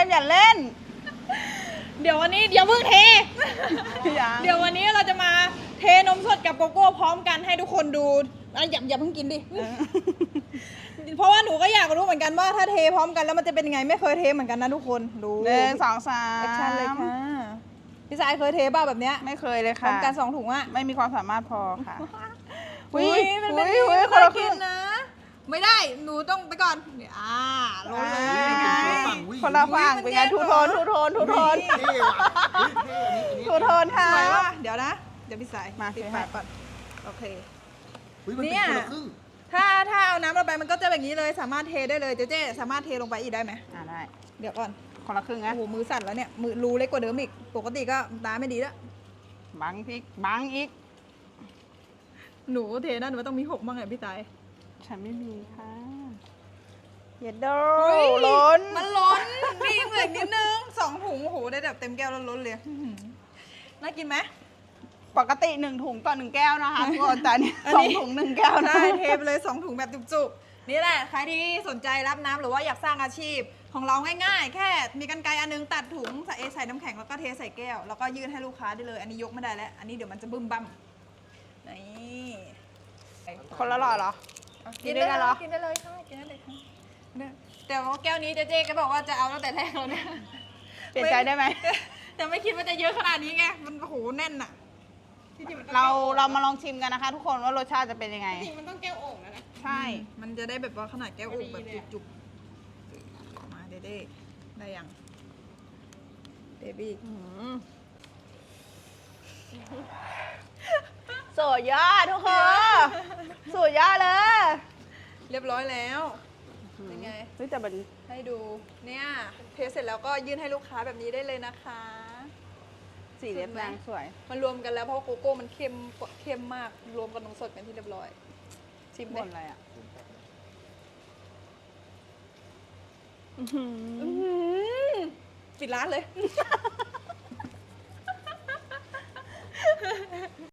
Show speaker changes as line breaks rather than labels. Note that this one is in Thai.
มอย่าเล่น
เดี๋ยววันนี้อย่าเพิ่งเท
ยัง
เดี๋ยววันนี้เราจะมาเทนมสดกับโกโก้พร้อมกันให้ทุกคนดูอย่าเพิ่งกินดิ เพราะว่าหนูก็อยากรู้เหมือนกันว่าถ้าเทพร้อมกันแล้วมันจะเป็นยังไงไม่เคยเทเหมือนกันนะทุกคนดู
1 2 3
แอคชั่นเลยค่ะพี่สายเคยเทบ้าแบบเนี้ย
ไม่เคยเลย
พร้อ
ค่ะ
มกัน2 ถุงอะ
ไม่มีความสามารถพอค่ะ
อุ้ยมันเป็น
อุ๊ย
ค
คน น
ละ
ละ
กิ
ครึ่
น
ง
นะ ไม่ได้หนูต้องไปก่อนเนี่ยลงเลย
คนละฝั่งเป็นไงทูโทนทูโทนทูโทน
เท่ว่ะเท่อันนี้
ทูโทนค่ะ
สวยว่ะเดี๋ยวนะเดี๋ยวพี่สาย
มา
ปิด
เทให้
ปากก่อนโอเค
มันเป็น
เนี่ย
คนละครึ่ง
ถ้าเอาน้ำลงไปมันก็จะแบบนี้เลยสามารถเทได้เลยเจ๊สามารถเทลงไปอีกได้ไหม
ได้
เดี๋ยวก่อน
คนละครึ่ง
โอ้
นะ
โหมือสั่นแล้วเนี่ยมือรูเล็กกว่าเดิมอีกปกติก็ตาไม่ดีแล้ว
บังพริกบังอีก
หนูเทนะหนูว่าต้องมี6บ้างไงพี่สาย
ฉันไม่มีค่ะเย็ดโด
เฮ้ย
ล้น
มันล้นมีเหมือนนิดนึง2 ถุงโอ้โหได้แบบเต็มแก้วแล้วล้นเลยอื้อหือน่ากินไหม
ปกติ1 ถุงต่อ 1 แก้วนะคะทุกคนแต่นี่
อัน
สอ
นี้
งถุง 1 แก้วนะ
ใช่เทไปเลย2 ถุงแบบจุกๆนี่แหละใครที่สนใจรับน้ำหรือว่าอยากสร้างอาชีพของเราง่ายๆ แค่มีกรรไกรอันนึงตัดถุงใส่น้ำแข็งแล้วก็เทใส่แก้วแล้วก็ยื่นให้ลูกค้าได้เลยอันนี้ยกไม่ได้แล้วอันนี้เดี๋ยวมันจะบึ้มบั้มนี่
คนละหลอดเหรอ กินด้วยกันเหรอ
กินได้เลยค่ะกินได้เลยค่ะแต่ว่าแก้วนี้เจ๊ก็บอกว่าจะเอาตั้งแต่แรกแล้วเนี่ย
เปลี่ยนใจได้ไหม
แต่ไม่คิดว่าจะเยอะขนาดนี้ไงมันโอ้โหแน่นอะที่จงมันต้อง
เรามาลองชิมกันนะคะ ทุกคนว่ารสชาติจะเป็นยังไง
จริงมันต้องแก้วโอ่งแล้วนะ
ใช่
มันจะได้แบบว่าขนาดแก้วโอ่งแบบจุกๆมาเด้ๆได้ยังเดบี้
สุดยอดทุกคนสุดยอดเลย
เรียบร้อยแล้วเป็นไง
เฮ้ยแต่มัน
ให้ดูเนี่ยเทเสร็จแล้วก็ยื่นให้ลูกค้าแบบนี้ได้เลยนะคะ
สีเล็บนางสวย
มันรวมกันแล้วเพราะโกโก้มันเข้มมากรวมกับนมสดเป็นที่เรียบร้อยชิม
บ
เลย
นอะไรอ่ะ
ปิดร้านเลย